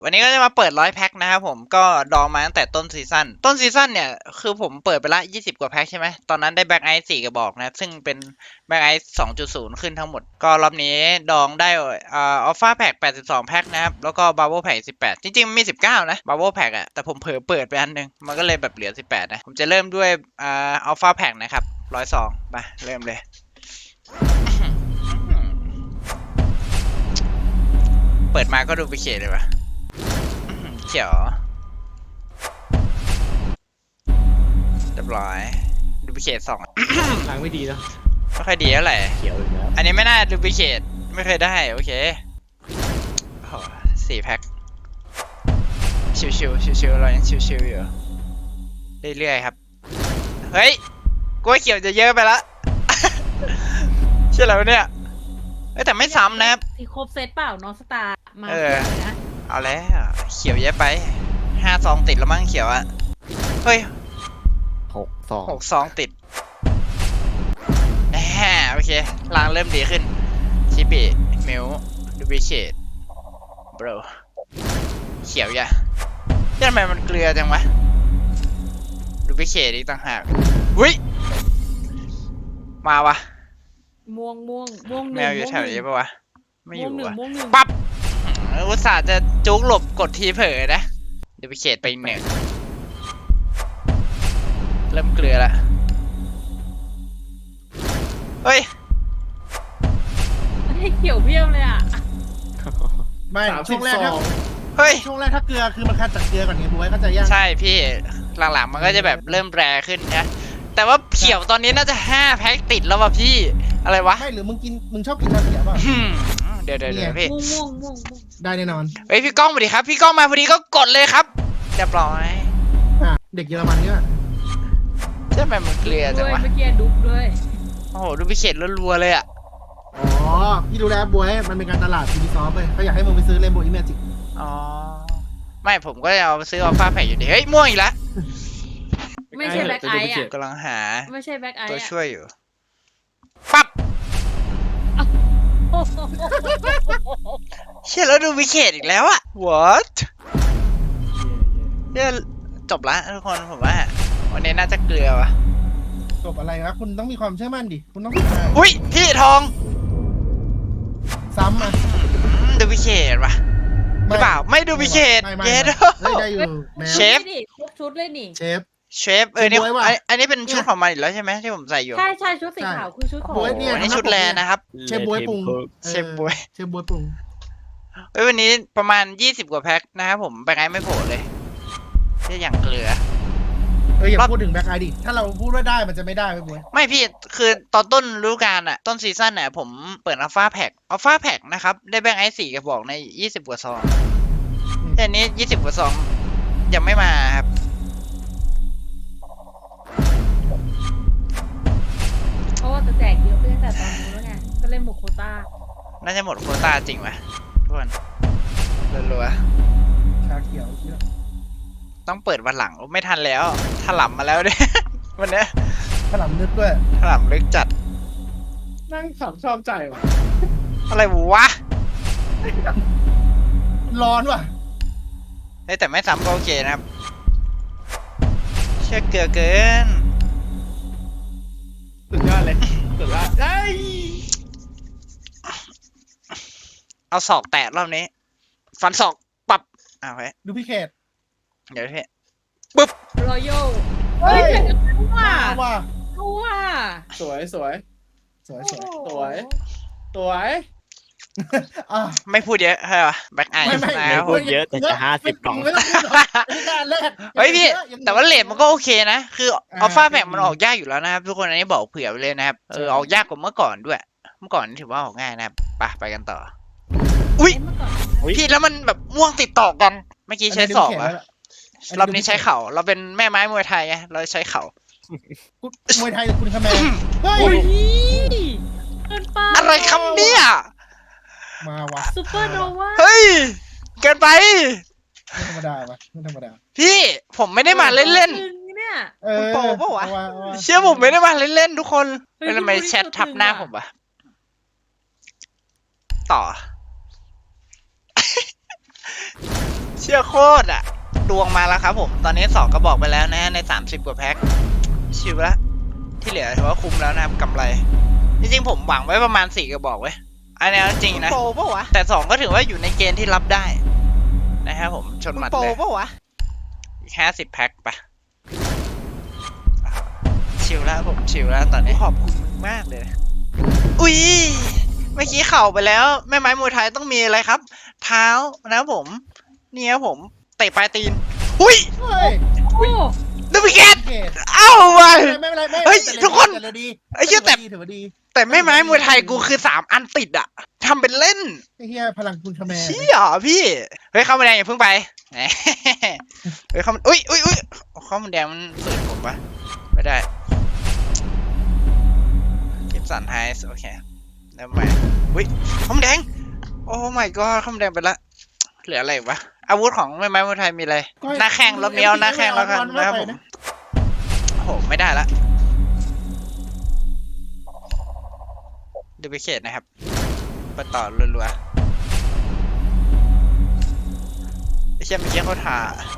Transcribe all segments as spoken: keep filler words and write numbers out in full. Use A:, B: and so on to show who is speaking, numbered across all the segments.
A: วันนี้ก็จะมาเปิดร้อยแพ็คนะครับผมก็ดองมาตั้งแต่ต้นซีซั่นต้นซีซั่นเนี่ยคือผมเปิดไปละยี่สิบกว่าแพ็คใช่ไหมตอนนั้นได้แบ็คไอซ์สี่กระบอกนะซึ่งเป็นแบ็คไอซ์สองจุดศูนย์ขึ้นทั้งหมดก็รอบนี้ดองได้อ่าอัลฟาแพ็คแปดสิบสองแพ็คนะครับแล้วก็บับเบิ้ลแพ็คสิบแปดจริงๆมีสิบเก้านะบับเบิ้ลแพ็คอะแต่ผมเผลอเปิดไปอันนึงมันก็เลยแบบเหลือสิบแปดนะผมจะเริ่มด้วยอ่าอัลฟาแพ็คนะครับร้อยสองมาเริ่มเลยเปิดมาก็ดูไปเขตเลยวะเขียวเรียบร้อยดูพิเคทสอง
B: ทางไม่ดีเนาะ
A: ไม่ค่อยดีเท่าไหร่
B: เขียวอีกแล้ว
A: อันนี้ไม่น่าดูพิเคทไม่เคยได้โอเคโอ้สี่แพ็คชิวชิวชิวชิวๆเรายังชิวชิวๆอยู่เรื่อยๆครับเฮ้ยกล้วยเขียวจะเยอะไปละ ใช่แล้วเนี่ยเอ้ยแต่ไม่ซ้ำนะครับ
C: ที่ครบเซตเปล่าน้องสตาร์มา
A: เอ
C: เย
A: อ
C: อะนะ
A: เอาแล้วเขียวเยอะไปห้าซองติดแล้วมั้งเขียวอะเฮ้ย
B: หกสอง
A: หกซองติดแหมโอเคลางเริ่มดีขึ้นชิบิมิวดูบิเคทบรเขียวอย่ะทำไมมันเกลือจังวะดูบิเคทอีกต่างหากหุ้ยมาวะ
C: ม่วงม่วงม่วงห
A: แม
C: นึ่ง
A: วอยู่แถวนี้ปะวะไม่อยู่
C: ม่วงหนึ่ง
A: วะ
C: ม่วงหนึ่ง
A: ปั๊บอุตส่าห์จะจุกหลบกดทีเผลอนะดูบิเคทไปหนึ่งเริ่มเกลือละเฮ้ย
C: ให้เขียวเพี้ยวเลยอ่ะ
D: ไม่ช่วงแรกถ้า
A: เฮ้ย
D: ช่วงแรกถ้าเกลือคือมันคัดจากเกลือก่อนไงบวยก็จะย่าง
A: ใช่พี่หลังๆมันก็จะแบบเริ่มแรขึ้นนะแต่ว่าเขียวตอนนี้น่าจะห้าแพ็คติดแล้วว่ะพี่อะไรวะ
D: ไม่หรือมึงกินมึงชอบกินชาเขียวเปล่า
A: อืมเดี๋ยวเดี๋ยวเดี๋ยวพี่
C: ม่วงม่วงม่วงม่วง
D: ได้แน่นอน
A: เฮ้ยพี่ก้องสวัสดีครับพี่ก้องมาพอดีก็กดเลยครับเรียบร้อย
D: อ่ะเด็กเยอรมันเนี่ย
A: ใช่ไหมมันเกลือจัง
C: ด้วย
A: วะ
C: เมื่อกี้ดุ๊บด้วย
A: โอ้โหดูพิเศษรัวๆเลยอ่ะ
D: อ๋อพี่ดูแลบวยมันเป็นการตลาดทีวีซอฟเลยเขาอยากให้มึงไปซื้อเลนโบว์อิมเมจิก
A: อ๋อไม่ผมก็จะเอาไปซื้ออัลฟาแพ็คอยู่ดีเฮ้ยม่วงอีกแล้ว
C: ไม่ใช่แบ็คไอซ์อ่ะ
A: กำลังหา
C: ไม่ใช่แบ็คไอ
A: ตัว
C: ซ์
A: ช่วยอยู่ปั๊บ
C: อ่ะ
A: เชี่ยแล้วดูพิเศษอีกแล้วอะ what เนี่ยจบละทุกคนผมว่าวันนี้น่าจะเกลือวะ
D: จบอะไรนะคุณต้องมีความเชื่อมั่นดิคุณต้อง
A: อุ้ยพี่ทอง
D: ซ้ำอ่ะ
A: อืมดูพิเศษวะหรือเปล่าไม่ดูพิเศษ
D: ไม่ไม่
A: เย็ด
D: ไม่ได้อยู่แมว
A: เชฟ
C: นี่ดิครบชุดเลยนี่
D: เชฟ
A: เชฟเออเนี่ย
D: บวยว่ะ
A: อันอันนี้เป็นชุดของมันอีกแล้วใช่ไหมที่ผมใส่อยู่
C: ใช่ใช่ชุดสีขาวคือชุดของ
D: โอ้
A: โอ้
D: ย
A: โห
D: เนี่ย
A: อันนี้ชุดแลนะครับ
D: เชฟบวยปรุง
A: เชฟบ๊วย
D: เชฟบวยปรุง
A: เฮ้ยวันนี้ประมาณยี่สิบกว่าแพ็คนะครับผมแบงค์ไอไม่โผล่เลยแค่อย่างเกลือ
D: เอออย่าพูดถึงแบ็คไอดิถ้าเราพูดว่าได้มันจะไม่ได้ไปบวย
A: ไม่พี่คือตอนต้นฤดูกาลอะต้นซีซั่นอะผมเปิดอัลฟาแพ็คอัลฟาแพ็คนะครับได้แบงค์ไอสี่กระบอกในยี่สิบกว่าซองแต่อันนี้ยี่สิบกว่าซองยังไม่มาครับ
C: เพราะว่าจะแจกเยอะไปตั้งแต่ตอนนู้นแล้วไงก็เล่นหมดโควต้า
A: น่าจะหมดโควต้าจริงไหมทุกคนรัว
D: ชาเขียวเยอะ
A: ๆต้องเปิดวันหลังไม่ทันแล้วถล่มมาแล้วเนี่ย วันเนี้ย
D: ขนมนึกด้วย
A: ถล่มลึกจัด
B: นั่งขับชอบใจว่ะ
A: อะไรวะ
D: ร้อนว่ะ
A: เฮ้ยแต่ไม่ซ้ำก็โอเคนะครับเชื่อเกลือเกิน
B: สุดยอดเลยสุดยอดเอ้ย
A: เอาศอกแตะรอบนี้ ฟันศอกปับอ้าวเฮ้ย
D: ดูพี่เขต
A: เดี๋ยวพี่
C: รอยัล
D: เฮ้
C: เฮ้ย
D: ย
C: แต่ก็รู้ว่า
D: มาว่ะ
C: รู้ว่า
B: สวยสวย
D: สวยสวย
C: โอ้โห
B: สวย สวย
D: อ่ะ
A: ไม่พูดเยอะใช่ปะแบ็คไอ
D: ไม่ไม่
A: นะครับ
B: พูดเยอะแต่จะห้าสิบกล่อง
D: ไม่ต้องพูดหรอกไม่กล้าแลก
A: เฮ้ยพี่
D: ยัง
A: แต่ว่าเลทมันก็โอเคนะ คือ
D: อ่า
A: อัลฟาแพ็คมันออกยากอยู่แล้วนะครับทุกคนอันนี้บอกเผื่อไปเลยนะครับ เออออกยากกว่าเมื่อก่อนด้วย เมื่อก่อนนี่ถือว่าออกง่ายนะครับไปไปกันต่อ อุ้ย
C: เมื่อก่อน
B: อุ๊ย
A: พี่แล้วมันแบบม่วงติดต่อกัน เมื่อกี้ใช้ศอกอะรอบนี้ใช้เข่า เราเป็นแม่ไม้มวยไทยไง เราใช้เข่า
D: คุณมวยไทยหรือคุณคาแมนเฮ้ย
C: อุ้ยเกินไป
A: อะไรคำเนี่ย
D: มาว่ะ
C: ซูเปอร์โนวา
A: เฮ้ย เกินไป
D: ไม่ธรรมดาวะไม่ธรรมดา
A: พี่ผมไม่ได้มาเล่น
C: จริงเนี่ย
D: เออ
A: คุณโปปะวะ
D: เอาเอา
A: ๆ เชื่อผมไม่ได้มาเล่นๆทุกคน
C: เฮ้ย
A: แล้วทำไม
C: พี่พูด
A: แชททับหน้าผมวะต่อเชื่อโคตรอะดวงมาแล้วครับผมตอนนี้สองกระบอกไปแล้วนะในสามสิบกว่าแพ็คชิวละที่เหลือถือว่าคุ้มแล้วนะครับกำไรจริงๆผมหวังไว้ประมาณสี่กระบอกเว้ยอันนี้จริงนะ
E: โปรปะวะ
A: แต่สองก็ถือว่าอยู่ในเกณฑ์ที่รับได้นะครับผมชนหมัด
E: โปร
A: เลย
E: ปะวะ
A: อีกห้าสิบแพ็คไปชิลแล้วผมชิลแล้วตอนนี้
E: ขอบคุณมึงมากเลย
A: อุ้ยเมื่อกี้เข่าไปแล้วแม่ไม้มวยไทยต้องมีอะไรครับ เท้านะครับผมนี่ครับผมเตะปลายตีนหุ้ย
D: เฮ้ย
C: โอ้
A: ดูพิเกต
D: โอเค
A: เอ้าไป
D: ไม่เป็นไรไม่
A: เฮ้ย
D: แต่
A: ทุกคน
D: แต่เราดี
A: ไอ้เหี้ยแต่
D: ถือว่าดี
A: แต่แม่ไม้มวยไทยกูคือสามอันติดอะทำเป็นเล่น
D: ไอ้เหี้ยพลังคุณคาแมร์
A: เชี่ยพี่เฮ้ยเข้ามาแดงอย่าเพิ่งไปแหมเฮ้ยเข้ามาอุ้ยอุ้ยอุ้ยเข้ามาแดงมันฝืนผมปะไม่ได้กิฟสันไฮส์โอเคแล้วมาอุ้ยเข้ามาแดงโอ้ my god เข้ามาแดงไปละเหลืออะไรอีกวะอาวุธของแม่ไม้มวยไทยมีอะไรหน้าแข้งรถเมียวหน้าแข้งแล้วกันนะครับผมโอ้โหไม่ได้ละดูไปเขตนะครับไปต่อรัวๆไอ้เชี่ยเมื่อกี้เขาถ่า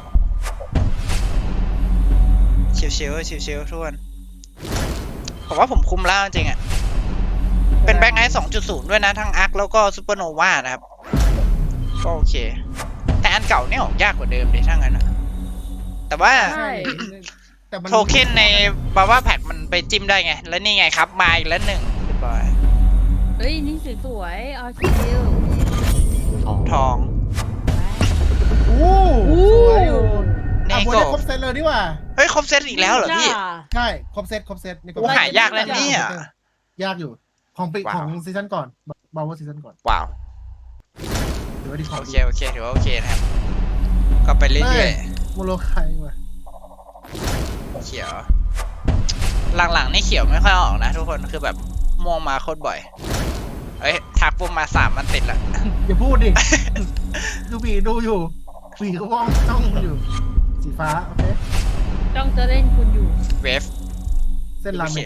A: ชิวๆชิวๆทุกคนผมว่าผมคุมแล้วจริงๆอ่ะเป็นแบ็คไนท์ สองจุดศูนย์ ด้วยนะทั้งอาร์คแล้วก็ซูเปอร์โนวานะครับก็โอเคแต่อันเก่าเนี่ยออกยากกว่าเดิมดิถ้างั้นนะแต่ว่า
C: ใช่
D: แต่มัน
A: โทเค็นในบาว่าแพ็กมันไปจิ้มได้ไงแล้วนี่ไงครับมาอีกแล้วหนึ่งเรียบร้อย
C: เฮ้ยนี่สวยๆเอาคิว
A: ทอง
D: โอ้โหสวยอยู่
A: นี่
D: อ่ะบวย
A: ก็
D: ได้ครบเซตเลยดีกว่า
A: เฮ้ยครบเซตอีกแล้วเหรอพี่
D: ใช่ครบเซตครบเซตนี่ก็
A: โอ้หายากแล้วเนี่ย
D: ยากอยู่ของปี
A: ว้าว
D: ของซีซั่นก่อนบาวว่าซีซั่นก่อน
A: ว้าว
D: ถือว่าดีของ
A: โอเคโอเคถือว่าโอเคนะครับก็ไปเรื่อย
D: โมโลไคว่ะ
A: ๆเขียว หลังๆนี่เขียวไม่ค่อยออกนะทุกคนคือแบบม่วงมาโคตรบ่อยเอ้ยทักปุ๊บมาสามมันติดละ
D: อย่าพูดดิ ดูบีดูอยู่บีก็ว่องจ้องอยู่ สีฟ้าโอเค
C: จ้องจะเล่นคุณอยู่
A: เวฟ
D: เส้นรามเมง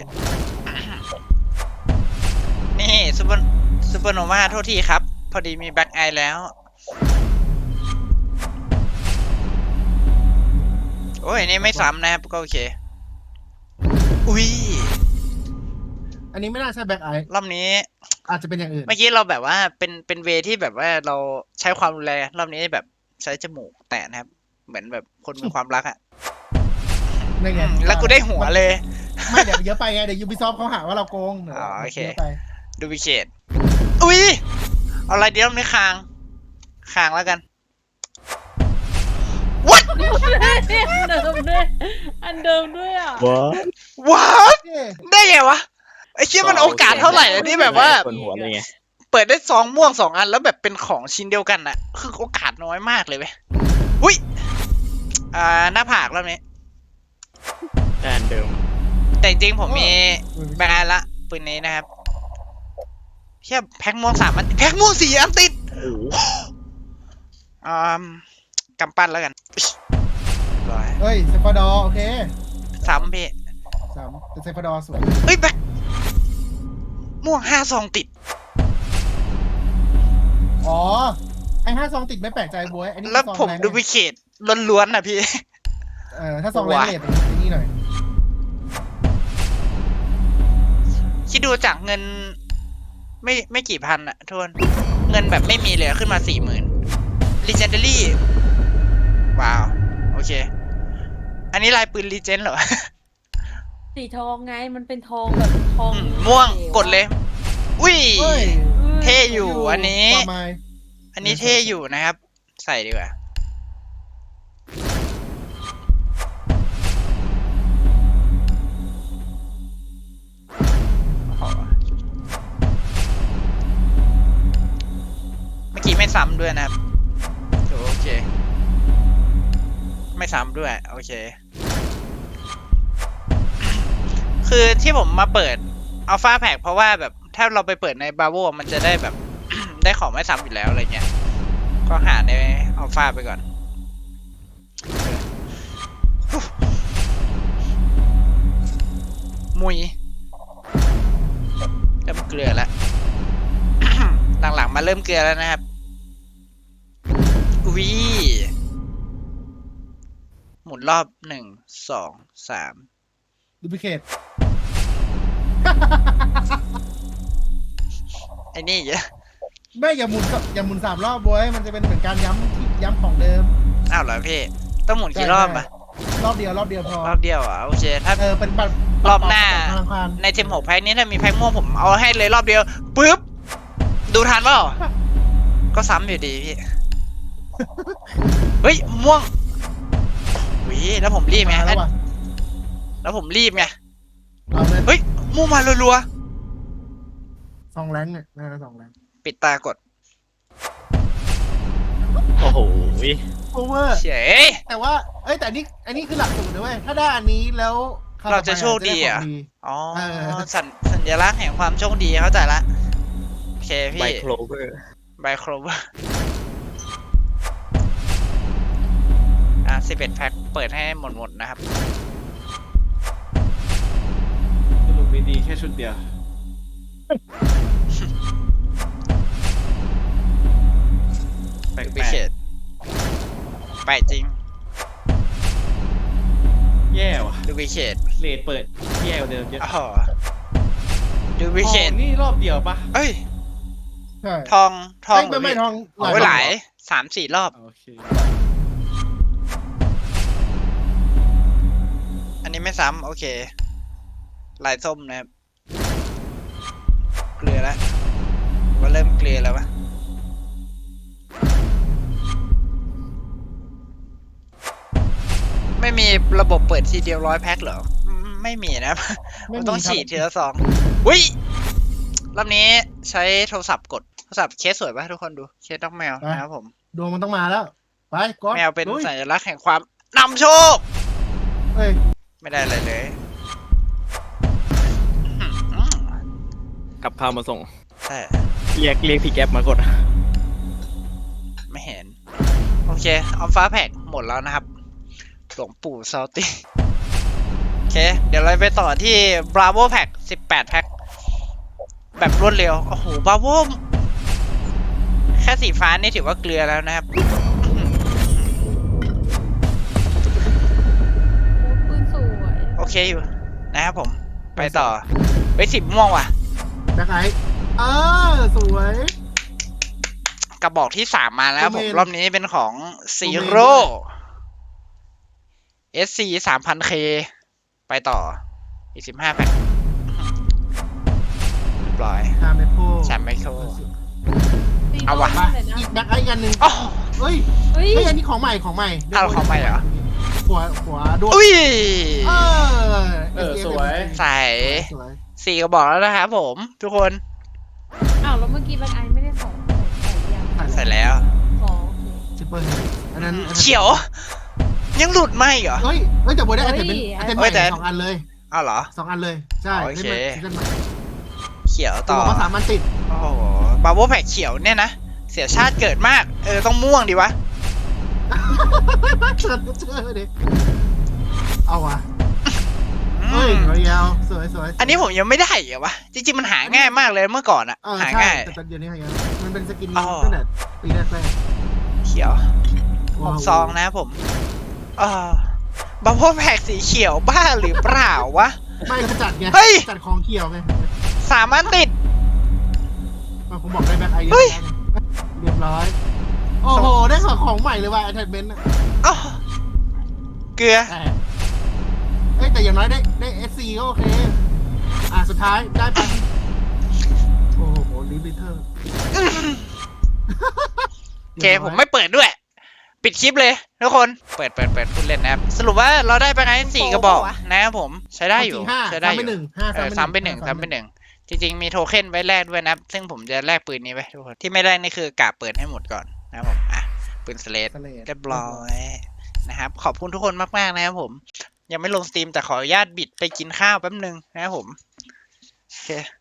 A: นี่ซูเปอร์ซูเปอร์โนวาโทษทีครับ พอดีมีแบ็คไอแล้ว โอ้ยนี่ไม่ซ้ำนะครับก็โอเค อุ้ย
D: อันนี้ไม่น่าใช่แบ็คไอ
A: รอบนี้
D: อาจจะเป็นอย่างอื่น
A: เมื่อกี้เราแบบว่าเป็นเป็นเวที่แบบว่าเราใช้ความรุนแรงรอบนี้แบบใช้จมูกแตะนะครับ เหมือนแบบคนมีความรักอ่ะ
D: ไม่ไง
A: แล้วกูได้หัวเลย
D: ไม่เดี๋ยวเยอะไปไงเดี๋ยวยูบิซอฟเขาหาว่าเราโกงดี๋ยว
A: อ๋อโอเค
D: ยะไป
A: ดูวิเคตอุ้ยเอาอะไรเดี๋ยวไม่คางคางแล้วกัน what
C: อันเดิมด้วยอันเดิมด้วยอ่ะ
A: what
D: เย้
A: ได้ไงวะไอ้เชี่ยมันโอกาสเท่าไหร่อะที่แบบว่า
E: คนหัวเลยไง
A: เปิดได้ซองม่วงสองอันแล้วแบบเป็นของชิ้นเดียวกันอะคือโอกาสน้อยมากเลยเว้ยอุ้ยอ่าหน้าผากรอบนี้
E: แต่อันเดิม
A: แต่จริงๆผมมีแบงค์ละปืนนี้นะครับเชี่ยแพ็คม่วงสามอันแพ็คม่วงสี่อันติด
E: โอ้โห
A: อ่ากำปั้นแล้วกันเรียบร้อย
D: เฮ้ยเซฟอดอร์โอเค
A: ซ้ำพี่
D: สามแต่เซฟอดอร์สวย
A: เฮ้ยแบ็คม่วงห้าซองติด
D: อ๋อไอห้าซองติดไม่แปลกใจบวยอันนี้
A: แล้ว
D: ซอง
A: ผม
D: รง
A: ดูวิเคตล้วนๆนะพี่
D: เออถ้าซองแรงเลทอันนี้หน่อย
A: คิดดูจากเงิน ไม่ไม่กี่พันอะทุกคนเงินแบบไม่มีเลยขึ้นมาสี่หมื่น Legendary ว้าว โอเค อันนี้ลายปืน Legend เหรอ
C: สีทองไงมันเป็นทองแบบทอง
A: อืมม่วงกดเลย อุ้ย
D: เฮ้ย
A: เท่อยู่อันนี้
D: ความหมาย
A: อันนี้เท่อยู่นะครับ ใส่ดีกว่า เมื่อกี้ไม่ซ้ำด้วยนะครับถือว่าโอเค ไม่ซ้ำด้วย โอเค คือที่ผมมาเปิดอัลฟาแพ็กเพราะว่าแบบถ้าเราไปเปิดในบาโวมันจะได้แบบ ได้ของไม่ซ้ำอยู่แล้วอะไรเงี้ย ก็หาในอัลฟาไปก่อน มุยเริ่มเกลือแล้ว หลังๆมาเริ่มเกลือแล้วนะครับ อุ้ยหมุนรอบหนึ่งสองสาม
D: ดูพิเคท
A: ไอ้นี่เยอะ
D: ไม่อย่าหมุนอย่าหมุนสามรอบบวยมันจะเป็นเหมือนการย้ำที่ย้ำของเดิม
A: อ้าวเหรอพี่ต้องหมุนกี่รอบอะ
D: รอบเดียวรอบเดียวพอ
A: รอบเดียวอ่ะโอเคถ้า
D: เออเป็นบัตร
A: รอบหน้า
D: ธนาคาร
A: ในทีมหกแพ็คนี้ถ้ามีแพ็คม่วงผมเอาให้เลยรอบเดียวปุ๊บดูทันเปล่าก็ซ้ำอยู่ดีพี่ เฮ้ยม่วงวิแล้วผมรีบไง
D: มาแล้วว่ะ
A: แล้วผมรีบไง
D: เอาเลย
A: เฮ้ยม่วงมารัว
D: สองแรงเนี่ยน่าจะสองแรง
A: ๆปิดตากด
E: โอ้โห
D: โอเวอร์
A: เฉย
D: แต่ว่าเอ้ยแต่นี่อันนี้คือหลักสูตรนะเว้ยถ้าได้อันนี้แล้วคว
A: เราจะ
D: ต่อไป
A: โชคดีเหรอ
D: จะไขง
A: อ๋อ
D: เออ
A: สัญสัญลักษณ์แห่งความโชคดีเข้าใจละโอเค
E: ไบ
A: พี่
E: โคลเวอร์
A: ไบโครเวอร์อ่ะสิบเอ็ดแพ็คเปิดให้หมดหมดๆนะครับ
B: สรุปมีดีแค่ชุดเดียวแปล
A: ดูพิ
B: ก
A: เศษไปจริง
B: ๆแย่ว่ะ
A: ดูพิเศษ
B: เลทเปิดแย่กว่าเดิมเยอะ
A: อ๋อดูพิเศษ
B: ทองนี่รอบเดียวปะ
A: เอ้ย
D: ใช่
A: ทองทอง
D: เอ้ยไม่ไม่ทอง
A: โอ้ยหลายสามสี่รอบ
B: โอเค
A: อันนี้ไม่ซ้ำโอเค ลายส้มนะครับ เกลือแล้วว่าเริ่มเกลือแล้ววะไม่มีระบบเปิดทีเดียวร้อยแพ็คเหรออืมไม่มีนะครับ
D: ไม่
A: มัน
D: มี
A: ต้อง
D: ครับ
A: ฉีดทีละซองอุ้ยรอบนี้ใช้โทรศัพท์กดโทรศัพท์เคสสวยป่ะทุกคนดูเคสน้องแมวนะครับผม
D: ดวงมันต้องมาแล้วไปก๊อต
A: แมวเป็น
D: ลุย
A: สัญลักษณ์แห่งความนำโชค
D: เอ้ย
A: ไม่ได้อะไรเลยอื้อหือ
E: กับข้าวมาส่ง
A: ใช่
E: เรียกเรียกพี่แก๊ปมากด
A: ไม่เห็น โอเคอัลฟาแพ็กหมดแล้วนะครับ หลวงปู่ซาลตี้โอเค เดี๋ยวเราไปต่อที่ Bravo Pack สิบแปดแพ็คแบบรวดเร็ว โอ้โห Bravo แค่สีฟ้านี่ถือว่าเกลือแล้วนะครับ
C: โอ้ปืนสวย
A: โอเคอยู่นะครับผม ไปต่อไปสิบม่วงว่ะ
D: แบ็คไอท์เออสวย
A: กระบอกที่สามมาแล้วผม
D: โดเมน
A: รอบนี้เป็นของซี
D: โดเมน
A: โร่
D: ด้วย
A: เอสซีสามพันเคไปต่อ อีกสิบห้าแพ็คเรียบร้อย
D: ชาเมโค
A: แชมป์ไมเคิล
C: ตี
A: เอาว่ะ
C: โดนเลยนะ
D: อีกแบ็คไอท์กันหนึ่ง
A: โอ้
D: เฮ้ย
C: เฮ้ย
D: เฮ้ยอันนี้ของใหม่ของใหม่
A: อ้าวของใหม่เหรอ
D: หัวหัวดวง
A: อุ้ย
D: เออ
B: เออสวย
A: ใส่
D: สวย
A: สี่กระบอกแล้วนะครับผม ทุกคน
C: อ้าวแล้วเมื่อกี้แบ็คไอไม่ได้ของใส่ยัง
A: ใส่แล้ว
C: อ๋อโอเค
D: ชิปเปอร์อันนั้นอันนั้น
A: เขียว ยังหลุดไหมเหรอ
D: เฮ้ยเฮ้ยแต่บวยได้ไอเทมเป็นไอเทมให
A: เฮ้
D: ม่
A: ยแต่
D: สองอันเลย
A: อ้าวเหรอ
D: สองอันเลยใช่
A: โอเค
D: ล่นใหม่ซีซั่นใหม่
A: เขียว
D: ตั
A: ต่
D: ว
A: อ
D: ก็สามอันติด
A: โอ้โหบาโบแพ็กเขียวเนี่ยนะ เสียชาติเกิดมาก เออ ต้องม่วงดีวะ
D: เชิญเชิญดิเอาว่ะ
A: อื
D: เฮ้ย
A: ม
D: รอยาวสวยสวย
A: อันนี้ผมยังไม่ได้เหรอวะ จริงๆมันหาง่ายมากเลยเมื่อก่อนอะ
D: เออ
A: หา
D: ใช่
A: ง่าย
D: แต่ตอนเดี๋ยวนี้หายากมันเป็นสกิน
A: อ๋อ
D: ตั้งแต่ปีแรกแรก
A: เขียว
D: ๆ
A: ห
D: ว้าว
A: กซองนะครับผมเออบาโบแพ็กสีเขียวบ้าหรือเปล่าวะ
D: ไม่เขาจัดไง
A: เฮ้ย
D: จัดของเขียวไง
A: สามอันติด
D: มันผมบอกได้แบ็คไอ
A: เฮ้ย
D: เรียบร้อย โอ้โห ได้ของของใหม่เลยว่ะ attachment อะ
A: อ้าวเกลือ
D: แต่เอ้ยแต่อย่างน้อยได้ได้เอสซีก็โอเค อ่ะ สุดท้ายได้ไป โอ้โหลิมิเตอร์
A: โอเค ผมไม่เปิดด้วย ปิดคลิปเลยทุกคน เปิดเปิดเปิดพูดเล่นนะครับ สรุปว่าเราได้ไปไงสี่กระบอกนะครับผม ใช้ได้อยู่
D: ห้า
A: ใช้ได้
D: ซ้ำ
A: อ
D: ไป
A: ยู่
D: หนึ่งห้า
A: เออซ้ำไปหนึ่งซ้ำไปหนึ่งจริงๆมีโทเค็นไว้แลกด้วยนะครับ ซึ่งผมจะแลกปืนนี้ไว้ทุกคน ที่ไม่แลกนี่คือกะเปิดให้หมดก่อนนะครับผม อ่ะ ปืนสเลด
D: สเลด
A: เรียบร้อยนะครับ ขอบคุณทุกคนมากๆนะครับผม ยังไม่ลงสตรีมแต่ขออนุญาตบิดไปกินข้าวแป๊บนึงนะครับผม โอเค